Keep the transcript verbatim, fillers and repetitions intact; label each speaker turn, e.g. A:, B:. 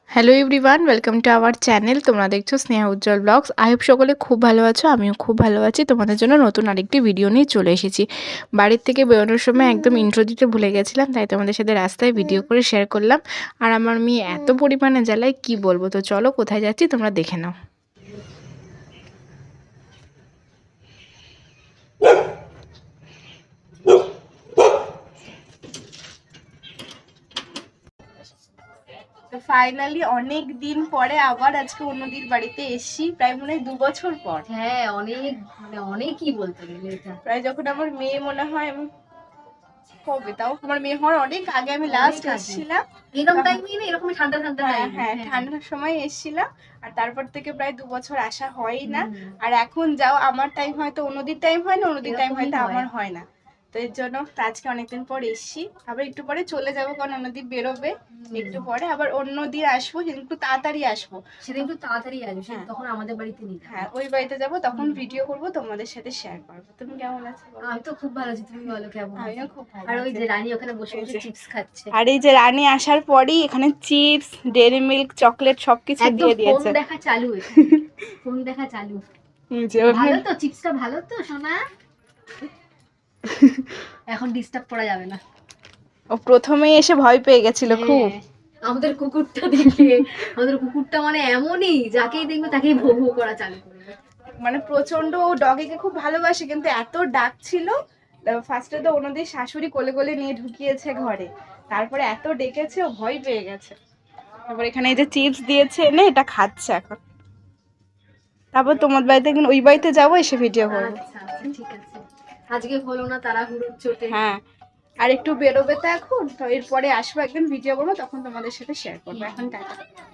A: Hello everyone, welcome to our channel. তোমরা দেখছো Sneha Ujjwal vlogs. I hope সকলে খুব ভালো আছো, আমিও খুব ভালো আছি। তোমাদের জন্য নতুন আরেকটি ভিডিও নিয়ে চলে এসেছি। বাড়ির থেকে বেরোনোর সময় একদম ইন্ট্রো দিতে ভুলে গেছিলাম, তাই তোমাদের সাথে রাস্তায় ভিডিও করে শেয়ার করলাম। আর আমার মেয়ে এত পরিমাণে জ্বালায় কি বলবো। তো চলো কোথায় যাচ্ছি তোমরা দেখে নাও। তো ফাইনালি অনেক দিন পরে আবার আজকে অন্যদির বাড়িতে এসেছি, প্রায় মনে হয় দু বছর পর।
B: হ্যাঁ, অনেক মানে অনেকই বলতে গেলে এটা
A: প্রায় যখন আমার মেয়ে মনে হয় আমি কবে তাও আমার মেয়ে হওয়ার অনেক আগে আমি লাস্ট এসেছিলাম।
B: এরকম টাইমই না, এরকম ঠান্ডা ঠান্ডা টাইম।
A: হ্যাঁ, ঠান্ডার সময় এসেছিলাম। আর তারপর থেকে প্রায় দু বছর আসা হয়ই না। আর এখন যাও আমার টাইম হয়তো অন্যদির টাইম হয় না, অন্যদির টাইম হয়তো আমার হয় না। তো এর জন্য আজকে অনেকদিন পর এসছি। আবার একটু পরে চলে যাবো, কারণ অন্যদিন বেরোবে একটু পরে। আবার অন্যদিন আসবো, সেদিন একটু তাড়াতাড়ি আসবো।
B: সেদিন একটু তাড়াতাড়ি আসবে, তখন আমাদের বাড়িতে নিয়ে
A: হ্যাঁ, ওই বাড়িতে যাবো, তখন ভিডিও করবো, তোমাদের সাথে শেয়ার করবো। তুমি কেমন আছো?
B: আমি তো খুব ভালো আছি, তুমি বলো কেমন?
A: আমিও খুব ভালো।
B: আর ওই যে রানী ওখানে বসে বসে চিপস খাচ্ছে।
A: আর এই যে রানী আসার পরই এখানে চিপস, ডেইরি মিল্ক, চকলেট সবকিছু দিয়ে দিয়েছে।
B: ফোন দেখা চালু, ফোন দেখা চালু।
A: ভালো
B: তো চিপসটা ভালো তো সোনা। এখন ডিস্টার্ব করা যাবে না।
A: ও প্রথমেই এসে ভয় পেয়ে গেছিল খুব।
B: আমাদের কুকুরটা দেখে, আমাদের কুকুরটা মানে এমনই, যাকেই দেখবে তাকেই ভৌ ভৌ করা চালু করবে।
A: মানে প্রচন্ড ও ডগিকে খুব ভালোবাসে, কিন্তু এত ডাক ছিল। ফার্স্টে তো ওনাদের শাশুড়ি কোলে কোলে নিয়ে ঢুকিয়েছে ঘরে, তারপরে এত ডেকেছে ও ভয় পেয়ে গেছে। তারপর এখানে এই যে চিপস দিয়েছে এনে, এটা খাচ্ছে এখন। তারপর তোমার বাড়িতে, ওই বাড়িতে যাবো, এসে ভিডিও করবো।
B: আচ্ছা আচ্ছা, ঠিক আছে। আজকে হলো না তাড়াহুড়োর চোটে।
A: হ্যাঁ, আর একটু বেরোবে তো এখন, তো এরপরে আসবো একদিন ভিডিও করবো, তখন তোমাদের সাথে শেয়ার করবো। এখন টাটা।